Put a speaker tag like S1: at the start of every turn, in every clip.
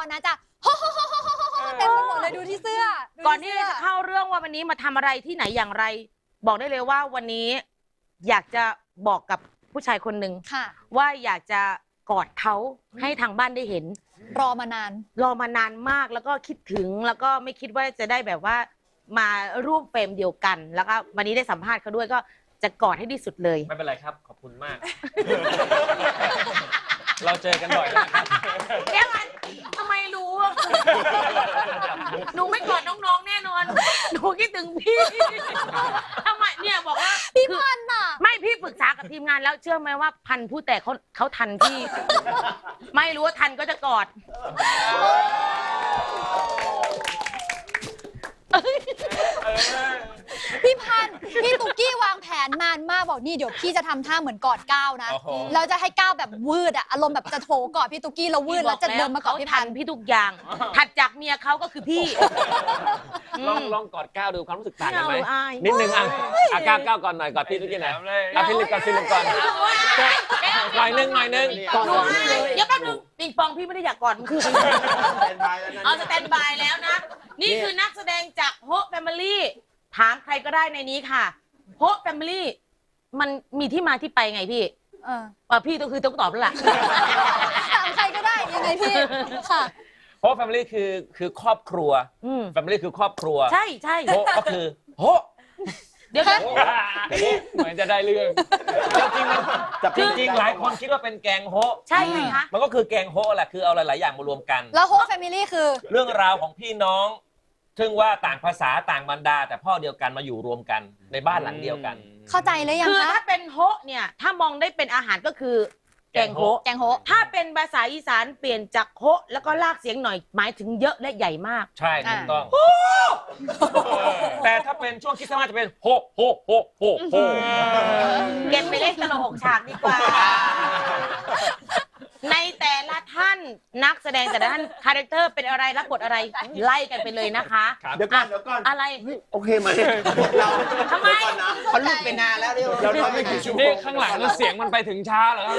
S1: นะจะโฮโฮโฮโฮโฮโฮเต็มไปหมดเลยดูที่เสื้อ
S2: ก่อนที่จะเข้าเรื่องว่าวันนี้มาทำอะไรที่ไหนอย่างไร บอกได้เลยว่าวันนี้อยากจะบอกกับผู้ชายคนหนึ่งว่าอยากจะกอดเขาให้ทางบ้านได้เห็น
S1: รอมาน
S2: านมากแล้วก็คิดถึงแล้วก็ไม่คิดว่าจะได้แบบว่ามาร่วมเฟรมเดียวกันแล้วก็วันนี้ได้สัมภาษณ์เขาด้วยก็จะกอดให้ที่สุดเลย
S3: ไม่เป็นไรครับขอบคุณมาก เราเจอกันบ่อยแล้วครับ
S2: แก้มันทำไมรู้หนูไม่กอดน้องๆแน่นอนหนูคิดถึงพี่ทำไมเนี่ยบอกว่า
S1: พี่พันน่ะ
S2: ไม่พี่ปรึกษากับทีมงานแล้วเชื่อไหมว่าพันผู้แต่เขาทันพี่ไม่รู้ว่าทันก็จะกอด
S1: พี่พันพี่ตุ๊กกี้วางแผนนานมากบอกนี่เดี๋ยวพี่จะทำท่าเหมือนกอดก้าวนะเราจะให้ก้าวแบบวืดอะอารมณ์แบบจะโถกอดพี่ตุ๊กกี้แล้ววืดแล้วจะเดินมากอดพี่พัน
S2: พี่ทุกอย่างถัดจากเมียเขาก็คือพี่
S3: ลองกอดก้าวดูความรู้สึกต่างกันไหมนิดนึงอ่ะก้าวก่อนหน่อยกอดพี่ตุ๊กกี้หน่อยพี่ลิปก่อนหน่อยนึง
S2: เดี๋ยวแป๊บนึงปิงปองพี่ไม่ได้อยากกอดมันคือเอาสแตนบายแล้วนะนี่คือนักแสดงจากโฮแฟมิลี่ถามใครก็ได้ในนี้ค่ะโฮแฟมิลี่มันมีที่มาที่ไปไงพี่พี่ต้องตอบแล้วล่ะ
S1: ถามใครก็ได้ยังไงพี่ค่ะ
S3: โฮแฟมิลี่คือครอบครัวแฟมิลี่คือครอบครัว
S2: ใช่
S3: โฮก็คือโฮ
S2: เดี๋ยว
S3: เหมือนจะได้เรื่องจริงหลายคนคิดว่าเป็นแกงโฮ
S2: ใช่ไหมคะ
S3: มันก็คือแกงโฮแหละคือเอาหลายๆอย่างมารวมกัน
S1: แล้วโฮแฟมิลี่คือ
S3: เรื่องราวของพี่น้องซึ่งว่าต่างภาษาต่างบรรดาแต่พ่อเดียวกันมาอยู่รวมกันในบ้านหลังเดียวกัน
S1: เข้าใจเลยยังคะ
S2: คือถ้าเป็นโฮเนี่ยถ้ามองได้เป็นอาหารก็คือแกงโฮถ้าเป็นภาษาอีสานเปลี่ยนจากโฮแล้วก็ลากเสียงหน่อยหมายถึงเยอะและใหญ่มาก
S3: ใช่ถูกต้องแต่ถ้าเป็นช่วงคริสต์มาสจะเป็นโฮ
S2: เก็บไปเล่นตลก6 ฉากดีกว่าในแต่ละท่านนักแสดงแต่ละท่านคาแรคเตอร์เป็นอะไรรับบทอะไรไล่กันไปเลยนะคะ
S4: เดี๋ยวก่อน
S2: อะไร
S4: โอเคไหมเรา
S2: ทำไม
S4: เขาลุกไปนานแล้วเราทำไม่กี่ชั่วโมง
S3: นี่ข้างหลังแล้วเสียงมันไปถึงช้าเหรอ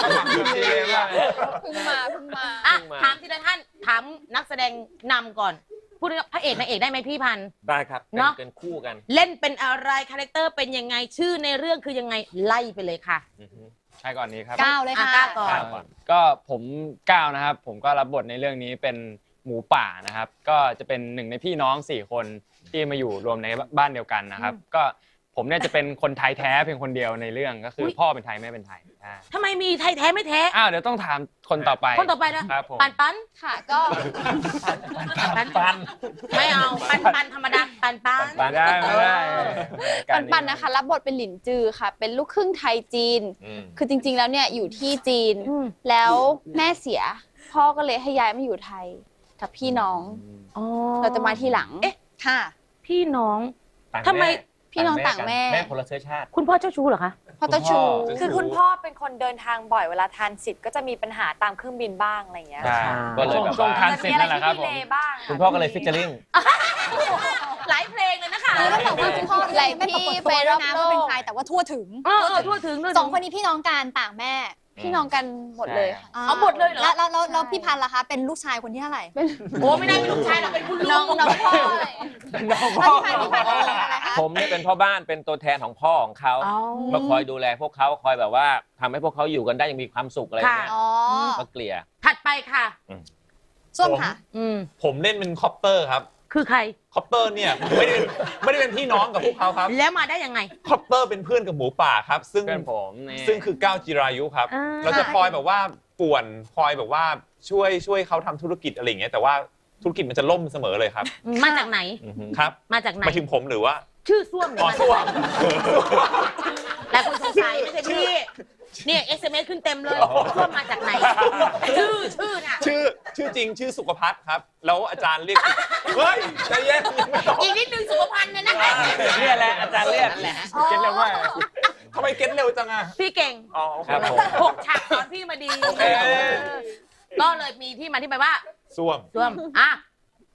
S1: เพิ่งมา
S2: ถามทีละท่านถามนักแสดงนำก่อนพูดพระเอกนางเอกได้ไหมพี่พันธุ์
S3: ได้ครับ
S2: เนาะ
S3: เป็นคู่กัน
S2: เล่นเป็นอะไรคาแรคเตอร์เป็นยังไงชื่อในเรื่องคือยังไงไล่ไปเลยค่ะ
S5: ใช่ก่อนนี้ครับ
S1: ก้าวเลยค่ะ
S2: ก้าวก่อน
S5: ก็ผมก้าวนะครับผมก็รับบทในเรื่องนี้เป็นหมูป่านะครับก็จะเป็นหนึ่งในพี่น้อง4 คนที่มาอยู่รวมในบ้านเดียวกันนะครับก็ผมเนี่ยจะเป็นคนไทยแท้เพียงคนเดียวในเรื่องก็คือพ่อเป็นไทยแม่เป็นไทย
S2: ทำไมมีไทยแท้ไม่แท้
S5: เดี๋ยวต้องถามคนต่อไป
S2: นะครับปัน
S1: ค่ะก็
S3: ปัน
S2: ไม่เอาปันธรรมดาปัน
S5: ได้ไม่ได้
S1: ปันนะคะรับบทเป็นหลินจือค่ะเป็นลูกครึ่งไทยจีนคือจริงๆแล้วเนี่ยอยู่ที่จีนแล้วแม่เสียพ่อก็เลยให้ย้ายมาอยู่ไทยกับพี่น้องเราจะมาทีหลังค่ะ
S2: พี่น้องทำไม
S1: พี่น้องต่างแม่
S3: คนละเชื้อชาติ
S2: คุณพ่อเจ้าชู้เหรอคะ
S1: พ่อเจ้าชู้
S6: คือคุณพ่อเป็นคนเดินทางบ่อยเวลาทานสิทธิ์ก็จะมีปัญหาตามเครื่องบินบ้างอะไรอย่างเงี้ย
S3: ก็เลยแบบ
S5: ช่วงทานสิทธิ์นั่นแหละครับผม
S3: คุณพ่อก็เลยฟิชเจอริง
S2: หลายเพลงเลยนะคะ
S1: แล้วบอกว่าคุณพ่อหลายพี่ไปรอบโลกเป็นใครแต่ว่าทั่วถึง2 คนนี้พี่น้องกันต่างแม่พี่น้องกันหมดเลย
S2: เอาหมดเลยเหรอ
S1: แล้วพี่พันล่ะคะเป็นลูกชายคนที่เท่าไหร่
S2: โอ้ไม่ได้เป็นลูกชายเราเป็นคุณลุง
S1: น้องพ่อพี่พัน
S3: ผมเนี่ยเป็นพ่อบ้านเป็นตัวแทนของพ่อของเขามาคอยดูแลพวกเขาคอยแบบว่าทำให้พวกเขาอยู่กันได้อย่างมีความสุขอะไรเงี้ยก็เกลี่ย
S2: ถัดไปค่ะ
S1: ส้มค่ะ
S7: ผมเล่นเป็นคอปเตอร์ครับ
S2: คือใคร
S7: คอปเตอร์เนี่ยไม่ได้เป็นพี่น้องกับพวกเขาครับ
S2: แล้วมาได้ยังไง
S7: คอปเตอร์เป็นเพื่อนกับหมูป่าครับซึ่งคือก้าวจิรายุครับเราจะคอยแบบว่าป่วนคอยแบบว่าช่วยเขาทำธุรกิจอะไรอย่างเงี้ยแต่ว่าธุรกิจมันจะล่มเสมอเลยครับ
S2: มาจากไหน
S7: ครับ
S2: มาจากไหน
S7: มาถึงผมหรือว่า
S2: ชื่อส้วม
S7: ส้วม
S2: หลายคนสงสัยไม่ใช่พี่เนี่ย SMS ขึ้นเต็มเลยส้วมมาจากไหนชื่อน่ะ
S7: ชื่อจริงชื่อสุขภัทรครับแล้วอาจารย์เรียกเฮ้ยใจเย็น
S2: อีกนิดนึงสุขภัณฑ์เนี่ยนะคะ
S3: นี่แหละอาจารย์เรียก
S7: เก็ตเร็วมากทำไมเก็ตเร็วจังอะ
S2: พี่เก่ง
S3: ครับผม
S2: 6 ฉากสอนพี่มาดีก็เลยมีที่มาที่ไปว่า
S7: ส้วม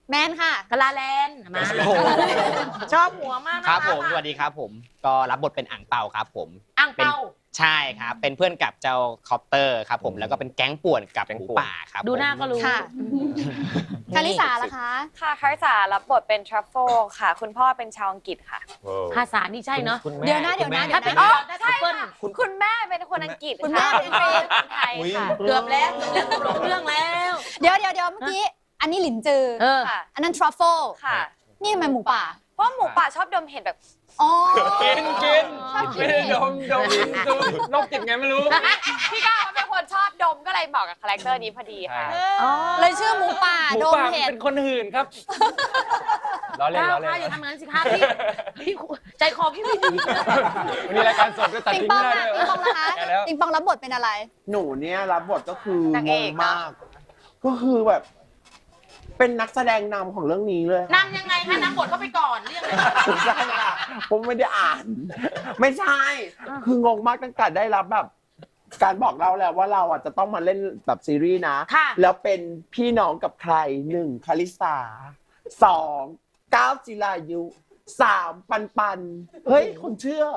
S1: แมนค่ะ
S2: กะลาแลนด์มาชอบหัวมากนะะ
S8: ครับผมสวัสดีครับผมก็รับบทเป็นอ่างเปาครับผม
S2: อ่างเปา
S8: ใช่ครับเป็นเพื่อนกับเจ้าคอปเตอร์ครับผมแล้วก็เป็นแก๊งป่วนกับหมูป่าครับ
S2: ดูหน้าก็รู้
S1: ค่ะ คาริสาล่ะคะ
S6: ค่ะคาริสารับบทเป็นทรัฟเฟิลค่ะ คุณพ่อเป็นชาวอังกฤษค่ะ
S2: ภาษานี่ใช่เนาะ
S3: คุณแม่
S1: เดี๋ยวนะ
S2: ถ้าเป็น
S6: อ๋อ
S2: ได้
S6: ใช่
S2: เปิ้ล
S6: ค่ะคุณแม่เป็นคนอังกฤษ
S1: คุณแม่
S6: ะเป็นคนไทยค่ะ
S2: เกือบแล้วหลงเรื่องแล้ว
S1: เดี๋ยวเมื่อกี้ อันนี้หลินจือ
S6: ค่ะ
S1: อันนั้นทรัฟเฟิล
S6: ค่ะ
S1: นี่ทำไมหมูป่า
S6: เพราะหมูป่าชอบดมเห็ดแบบ
S1: อ๋อ
S3: กิน
S1: ชอบกิน
S3: ไม่ได้ดมนกจิตไงไม่รู้
S6: พี่ก้าวเขาเป็นคนชอบดมก็เลยเหมาะกับคาแรคเตอร์นี้พอดีค่ะ
S1: เลยชื่อหมูป่า
S3: หมู
S1: โดม
S3: ป่า
S1: เห็ด
S3: เป็นคนหื่นครับล้อเล่น
S2: ก้าว
S3: ล้อเล่
S2: ค่ะอย่าน ทำอย่างนั้นสิคะพี่ใจคอพี่ไม่ดี
S3: วันนี้รายการสดก็ตัด
S1: ปิง
S3: ทิ้ง
S1: ปอง
S3: ไม่ได้
S1: อะ
S3: เลย
S1: ปิงปองนะคะ
S3: แกแล้ว
S1: ปิงปองรับบทเป็นอะไร
S4: หนูเนี่ยรับบทก็คือน
S6: าง
S4: ง
S6: เอง ก
S4: มาก ก็คือแบบ เป็นนักแสดงนำของเรื่องนี้เลย
S2: นำยังไงคะนำบทเข้าไปก่อนเรื่องอะไร
S4: ไม่ใช่ค่ะผมไม่ได้อ่าน ไม่ใช่ คืองงมากตั้งแต่ได้รับแบบ การบอกเราแล้วว่าเราอ่ะจะต้องมาเล่นแบบซีรีส์นะ
S2: ค่ะ
S4: แล้วเป็นพี่น้องกับใคร1คาริสา2ก้าวจิรายุ3ปันเฮ้ยคนเชื่อ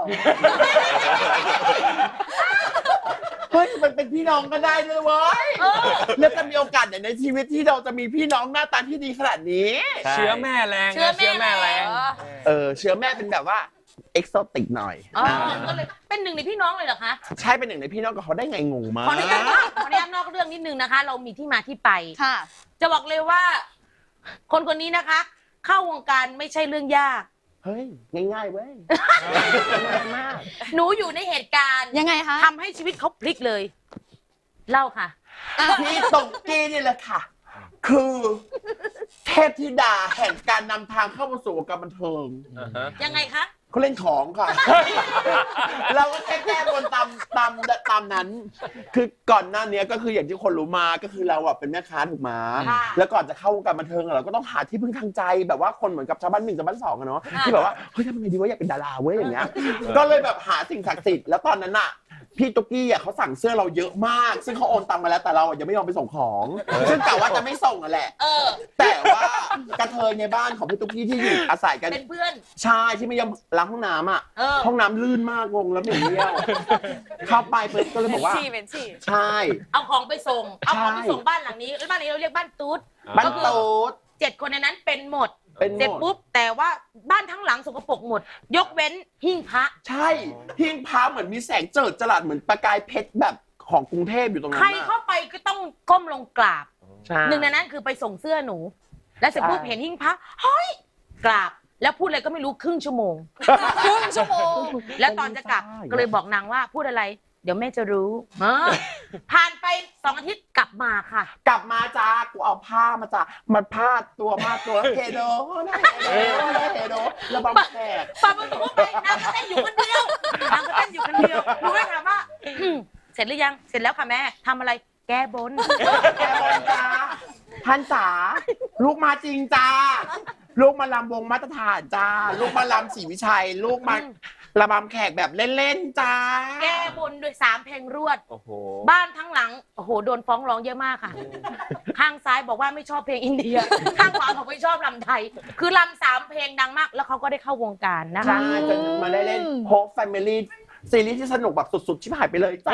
S4: เฮ้ยมันเป็นพี่น้องก็ได้ด้วยเว้ยแล้วจะมีโอกาสไหนในชีวิตที่เราจะมีพี่น้องหน้าตาที่ดีขนาดนี้
S3: เชื้อแม่แรง
S2: เชื้อแม่แรง
S4: เชื้อแม่เป็นแบบว่าเอ็กโซติกหน่อย
S2: อ๋อก็เลยเป็นหนึ่งในพี่น้องเลยเหรอคะ
S4: ใช่เป็นหนึ่งในพี่น้องกับเขาได้ไงงงมาก
S2: ขออนุญาตนอกเรื่องนิดนึงนะคะ เรามีที่มาที่ไป
S1: ค่ะ
S2: จะบอกเลยว่า คนคนนี้นะคะ เข้าวงการไม่ใช่เรื่องยาก
S4: เฮ้ย ง่ายๆเว้ยง่ายมาก
S2: หนูอยู่ในเหตุการณ์
S1: ยังไงคะ
S2: ทำให้ชีวิตเขาพลิกเลย เล่าค่ะ
S4: พี่ตกกี้นี่แหละค่ะ คือเทพธิดาแห่งการนำทางเข้ามาสู่วงการบันเทิง
S2: ยังไงคะ
S4: เขาเล่นของค่ะ เราก็แก้บนตามนั้น คือก่อนหน้านี้ก็คืออย่างที่คนรู้มาก็คือเราอะเป็นแม่ค้าถูกไหม
S2: ค่ะ
S4: แล้วก่อนจะเข้าวงการบันเทิงอะเราก็ต้องหาที่พึ่งทางใจแบบว่าคนเหมือนกับชาวบ้าน1ชาวบ้าน2อะเนาะที่แบบว่าเฮ้ยทำยังไงดีวะอยากเป็นดาราเว้ยอย่างเงี้ยก็เลยแบบหาสิ่งศักดิ์สิทธิ์แล้วตอนนั้นอะพี่ตุ๊กกี้อะเขาสั่งเสื้อเราเยอะมาก ซึ่งเขาโอนตังมาแล้วแต่เราอะยังไม่ยอมไปส่งของ ซึ่งกะว่าจะไม่ส่งอะแหละ แต่ว่ากระเทยในบ้านของพี่ตุ๊กกี้ที่อยู่อาศัยกัน
S2: เป็นเพื่อน
S4: ใช่ที่ไม่ยอมล้างห้องน้ำอ่ะ
S2: เออ
S4: ห้องน้ำลื่นมากงงแล้วเหม็นเยี่ยวเข้าไปเพิ่ก็เลยบอกว่า
S6: เป็นชี่
S4: ใช่
S2: เอาของไปส่ง เอาของไป
S4: ใช่
S2: ส่งบ้านหลังนี้แล้วบ้านนี้เราเรียกบ้านตูด
S4: บ้านโต๊ด
S2: 7 คนในนั้นเป็นหมด
S4: เป็นห
S2: เสร็จ
S4: มด
S2: ปุ๊บแต่ว่าบ้านทั้งหลังสกปรกหมด ยกเว้นหิ้งพระ
S4: ใช่หิ้งพระเหมือนมีแสงเจิดจรัสเหมือนประกายเพชรแบบของกรุงเทพอยู่ตรงนั้
S2: ใคร
S4: น
S2: เข้าไปก็ต้องก้มลงกราบ
S4: ใช่
S2: หนึ่งในนั้นคือไปส่งเสื้อหนู แล้วเสร็จปุ๊บ
S4: ใช่
S2: เห็นหิ้งพระเฮ้ยกราบ แล้วพูดอะไรก็ไม่รู้ครึ่งชั่วโมง
S1: ครึ่งชั่วโมง
S2: แล้วตอนจะกลับก็เลยบอกนางว่าพูดอะไร เดี๋ยวแม่จะรู้ผ่านไป2 อาทิตย์กลับมาค่ะ
S4: กลับมาจ้ากูเอาผ้ามาจ้ามันพาดตัวเฮโดนะเฮโดแล้วบางแขก
S2: ปาประตูไปนางก็เต้นอยู่คนเดียวนางก็เต้นอยู่คนเดียวหนูก็เลยถามว่าเสร็จหรือยังเสร็จแล้วค่ะแม่ทำอะไรแก้บน
S4: แกบอลจ้าท่านจ๋าลูกมาจริงจ้าลูกมาลำวงมาตรฐานจ้าลูกมาลำศรีวิชัย ลูกมาระบำแขกแบบเล่นๆจ้า
S2: แก้บนด้วย3 เพลงรวด
S3: โอ้โห
S2: บ้านทั้งหลังโอ้โหโดนฟ้องร้องเยอะมากค่ะ ข้างซ้ายบอกว่าไม่ชอบเพลงอินเดีย ข้างขวาบอกไม่ชอบลำไทย คือลำ3 เพลงดังมาก แล้วเขาก็ได้เข้าวงการนะคะ
S4: ใช่จนมาได้เล่นโฮปแฟมิลี่ซีรีส์ที่สนุกแบบสุดๆชิบหายไปเลยจ้า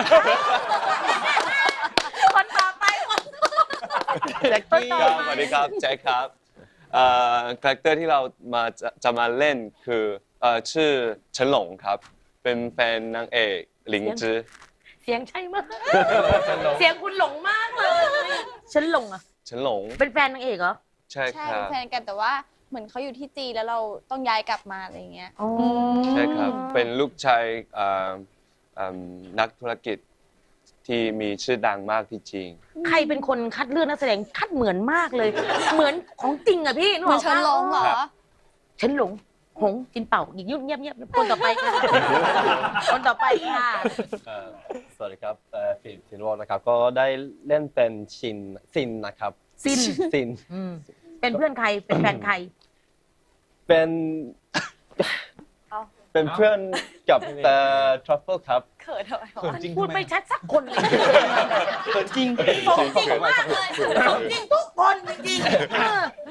S2: คนต่อไปคน
S4: แจ็คกี้
S2: ต่อ
S9: สวัสดีครับแจ็คครับคาแรคเตอร์ที่เราจะมาเล่นคือชื่อเฉินหลงครับ เป็นแฟนนางเอกหลิงจื้อ
S2: เสียงใช่มาก เสียงคุณหลงมากเลยฉันหลงอ่ะ
S9: เฉินหลง
S2: เป็นแฟนนางเอกเหรอ
S9: ใช่
S1: ใช่
S9: ครั
S1: เป็น
S9: บ
S1: แฟนกันแต่ว่าเหมือนเขาอยู่ที่จีนแล้วเราต้องย้ายกลับมาอะไรอย่างเงี้ย
S9: ใช่ครับ เป็นลูกชายนักธุรกิจที่มีชื่อดังมากที่จีน
S2: ใครเป็นคนคัดเลือกนักแสดงคัดเหมือนมากเลย เหมือนของจริงอ่ะพี่นึก
S1: เห
S2: อ
S1: มือ
S2: อน ก
S1: เฉินหลงเหรอ
S9: ครับ
S2: ฉันหลงหงจินเป่าอีกยุ่งเงียบๆคนต่อไปค่ะ คนต่อไปค่ะ
S10: สวัสดีครับฟิล์มชินวอลนะครับ ก็ได้เล่นเป็นซินนะครับ
S2: ซิน
S10: ซิน
S2: เป็นเพื่อนใครเป็นแฟนใคร
S10: เป็น
S6: เอ้า
S10: เป็นเพื่อนกับทรัฟเฟิลครับ
S6: เขินทำไมวะ
S2: พูดไม่ชัดสักคนเลย
S10: จริง
S2: สมจริงมากเลยสมจริงทุกคนจริงๆ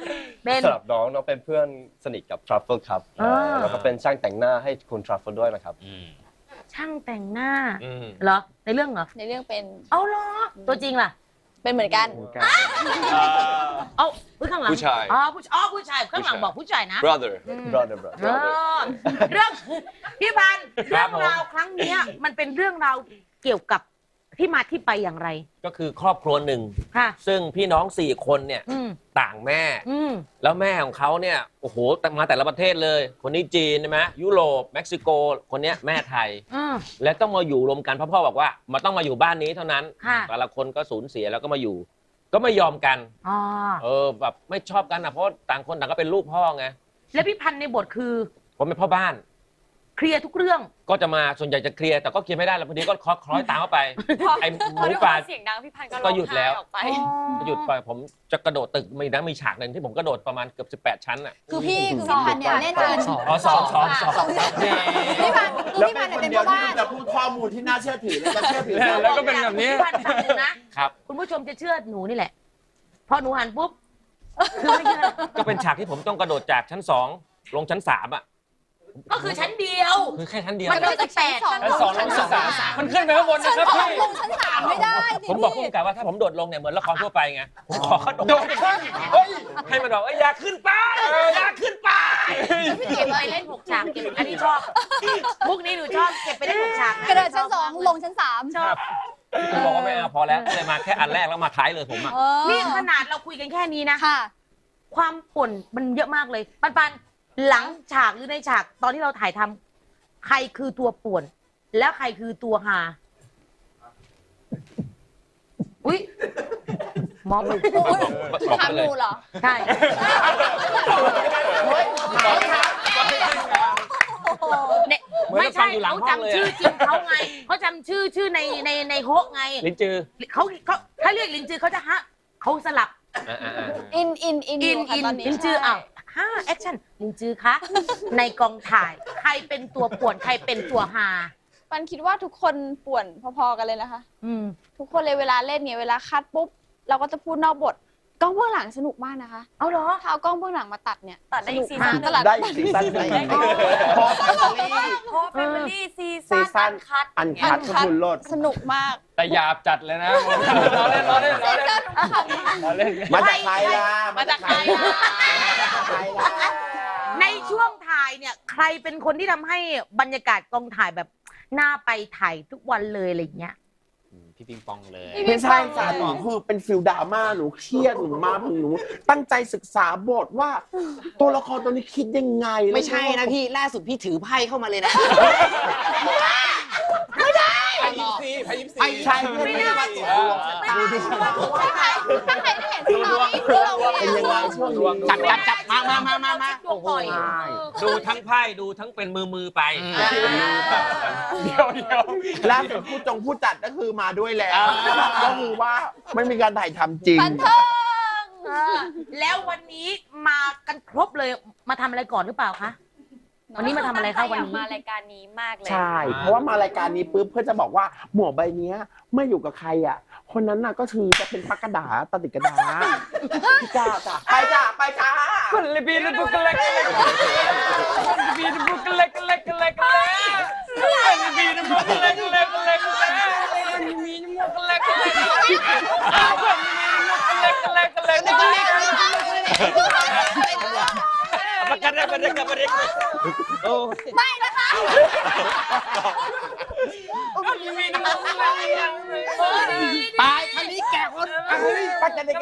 S10: สำหรับน้องเป็นเพื่อนสนิทกับทรัฟเฟิลครับแล้วก็เป็นช่างแต่งหน้าให้คุณทรัฟเฟิลด้วยนะครับ
S2: ช่างแต่งหน้าเหรอในเรื่องเหรอ
S1: ในเรื่องเป็น
S2: เอาเหรอตัวจริงล่ะ
S1: เป็นเหมือนกัน
S2: เอาข้างหลัง
S9: ผู้ชาย
S2: ผู้ชายข้างหลังบอกผู้ชายนะ
S9: brother
S2: เรื่องพี่พันธุ์เรื่องราวครั้งเนี้ยมันเป็นเรื่องราวเกี่ยวกับที่มาที่ไปอย่างไร
S3: ก็คือครอบครัวหนึ่ง
S2: ค่ะ
S3: ซึ่งพี่น้อง4 คนเนี่ยต่างแม่ แล้วแม่ของเขาเนี่ยโอ้โหมาแต่ละประเทศเลย คนนี้จีนใช่ไหมยุโรปเม็กซิโกคนเนี้ยแม่ไทย และต้องมาอยู่รวมกันเพราะพ่อบอกว่ามันต้องมาอยู่บ้านนี้เท่านั้นแต่ละคนก็สูญเสียแล้วก็มาอยู่ ก็ไม่ยอมกันแบบไม่ชอบกันนะเพราะต่างคนต่างก็เป็นลูกพ่อไง
S2: แล้วพี่พันธุ์ในบทคือ
S3: ผมเป็นพ่อบ้าน
S2: เคลียร์ทุกเรื่อง
S3: ก็จะมาส่วนใหญ่จะเคลียร์แต่ก็เคลียร์ไม่ได้แล้วพอดีก็คล้อยตามเข้าไปไอ้หมูป่า
S6: เสียงดังพี่พันธุ์
S3: ก็หยุดแล้ว
S6: ออกไป
S3: หยุดไปผมจะกระโดดตึกมีฉากหนึ่งที่ผมกระโดดประมาณเกือบ18 ชั้นอ่ะ
S1: คือพี่พันธุ์เนี่ยเล่นเป็น
S3: อ๋อสอง
S1: พี่พันธุ์เนี่ยเป็นพ่อบ้าน
S4: จะพูดข้อมูลที่น่าเชื่อถือและจะเชื่อถือ
S3: แล้วก็เป็นแบบนี้
S2: พี่พันธุ์ฟังดูนะครับ คุณผู้ชมจะเชื่อหนูนี่แหละพอหนูหันปุ๊บคือไม่เชื่อ
S3: ก็เป็นฉากที่ผมต้องกระโดดจากชั้น2ลงชั้น3อ่ะ
S2: ก็คือชั้นเดียว
S3: คือแค่ชั้นเดียว
S2: มันไม่ใช่8
S3: ชั้น2ลงชั้น3มันขึ้นไปข้างบนนะครับพี่
S1: ลงชั้น3ไม่ได้
S3: ผมบอกผู้กำกับว่าถ้าผมโดดลงเนี่ยเหมือนละครทั่วไปไงผมขอกระโดดขึ้นให้มันบอกอย่าขึ้นไปอย่าขึ้นไป
S2: เก็บไปเล่น6 ฉากเก็บอันนี้ชอบมุกนี้หนูชอบเก็บไปเล่น6 ฉาก
S1: กระโดดชั้น2ลงชั้น3
S2: ชอบ
S3: ผมบอกว่าไม่เอาพอแล้วเลยมาแค่อันแรกแล้วมาท้ายเลยผมอ่ะ
S2: นี่ขนาดเราคุยกันแค่นี้นะ
S1: ค่ะ
S2: ความป่นมันเยอะมากเลยปันหลังฉากหรือในฉากตอนที่เราถ่ายทำใครคือตัวป่วน แล้วใครคือตัวฮาอุ้ยมอง
S1: ถามหนูเหรอ
S2: ใช่ไม่ใช่เขาจำชื่อจริงเขาไงเขาจำชื่อในโฮะไง
S3: ลิ้นจือ
S2: เขาถ้าเรียกลินจือเขาจะฮะเขาสลับ
S1: อินอยู่ค่ะตอนนี้
S2: ลินจืออ้าวแอคชั่นลินจือคะในกองถ่ายใครเป็นตัวป่วนใครเป็นตัวฮา
S1: ปันคิดว่าทุกคนป่วนพอๆกันเลยนะคะทุกคนเลยเวลาเล่นเนี่ยเวลาคัดปุ๊บเราก็จะพูดนอกบทกล้องเบื้องหลังสนุกมากนะคะ
S2: เอาเหรอ
S1: ถ้าเอากล้องเบื้องหลังมาตัดเนี่ย
S6: ตัดได้อีกซีซั่น
S1: ตลาด
S4: ได้อีกซีซั่นหนึ่งพอแฟมิลี่
S6: โค้ชแฟมิลี่ซีซั่นอันคัด
S4: ขบุญโลด
S1: สนุกมาก
S5: แต่หยาบจัดเลยนะล้อเล่น
S4: มาจากใครล่ะ
S2: มาจากใครล่ะในช่วงถ่ายเนี่ยใครเป็นคนที่ทำให้บรรยากาศกองถ่ายแบบน่าไปถ่ายทุกวันเลยอะไรอย่างเงี้ย
S8: พี่ปิงปองเลย
S4: ไม่ใช่จ้ะหนูคือเป็นฟิลดราม่าหนูเครียดหนูมาหนูตั้งใจศึกษาบทว่า ตัวละครตัวนี้คิดยังไง
S8: ไม่ใช่นะพี่ล่าสุดพี่ถือไพ่เข้ามาเลยนะ
S4: ไอ้ใช่ไม่ได้ดูดิ
S1: ถ้าใครได้เห็นสตอรี่คือเรา
S4: เป็นยังไงช่วงนี้
S8: จับมา
S2: โอ้โห
S3: ดูทั้งไพ่ดูทั้งเป็นมือไป
S5: เดี๋ยว
S4: ล่าสุดผู้จัดก็คือมาด้วยแล้วก็คือว่าไม่มีการถ่ายทำจริง
S1: บันเทิง
S2: แล้ววันนี้มากันครบเลยมาทำอะไรก่อนหรือเปล่าคะวันนี้มาทำอะไรคะวันนี้
S6: มารายการนี้มากเลย
S4: ใช่ เพราะว่ามารายการนี้ปุ๊บเพื่อจะบอกว่าหมวกใบนี้เมื่ออยู่กับใครอ่ะ คนนั้นน่ะก็คือจะเป็นพักกระดาตติกระดาจ้าไปจ้า
S5: คนละบีนบุกเล็กบีนบุกเล็กบีนบุกเล็กบีนบุกเล็ก
S3: ประกันได้ประกัน
S1: ไม่นะคะ
S8: ตายครั้งนี้แก่คน
S4: ไปกันเลย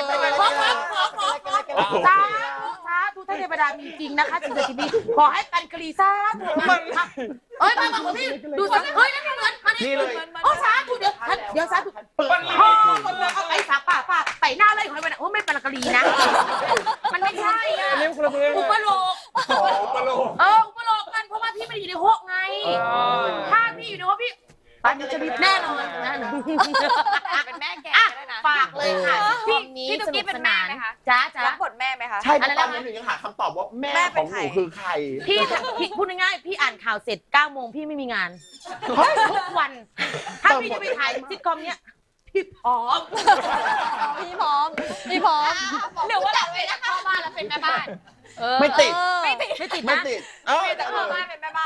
S2: สาธุท่านเทวดามีจริงนะคะสิ่งศักดิ์สิทธิ์ขอให้กันกรีซ่ามาพี่ดูสิเฮ้ยนั่นเหมือนมานี่เลยโอ้สาธุเดี๋ยวสาธุเอาไปสาป่าไปหน้าเลยขอให้มันโอ้ไม่เป็นกรีนะมันไม่ใช่อ่ะอุปโลกอุปโลกกันเพราะว่าพี่ไม่ได้อยู่ในห้องไงถ้าพี่อยู่ในห้องพี่ปันจะมีแน่นอนนะ
S6: เป็นแม่แก่ด้วยนะ
S2: ฝากเลยค่ะ
S6: พี่ตุ๊กกี้เป็นแม่ไหมคะ
S2: จ้า
S6: รับบทแม่ไหมคะ
S4: ใช่ตอนนี้หนูยังหาคำตอบว่าแม่ของหนูคือใคร
S2: พี่พูดง่ายๆพี่อ่านข่าวเสร็จ9 โมงพี่ไม่มีงานทุกวัน ถ้าพี่จะไปถ่ายซิทคอมเนี้ยพี่พร้อม
S1: พี่พร้อมหรือว่าเราไปเข้าบ้านแล้วไปเป็นแม่บ้าน
S4: ไม่ติด
S6: ไม่ติด
S2: ไม่ติด
S4: ไม่
S2: นะ
S4: ติด
S6: แต่พ่อบ้านเป็นแม่บ้าน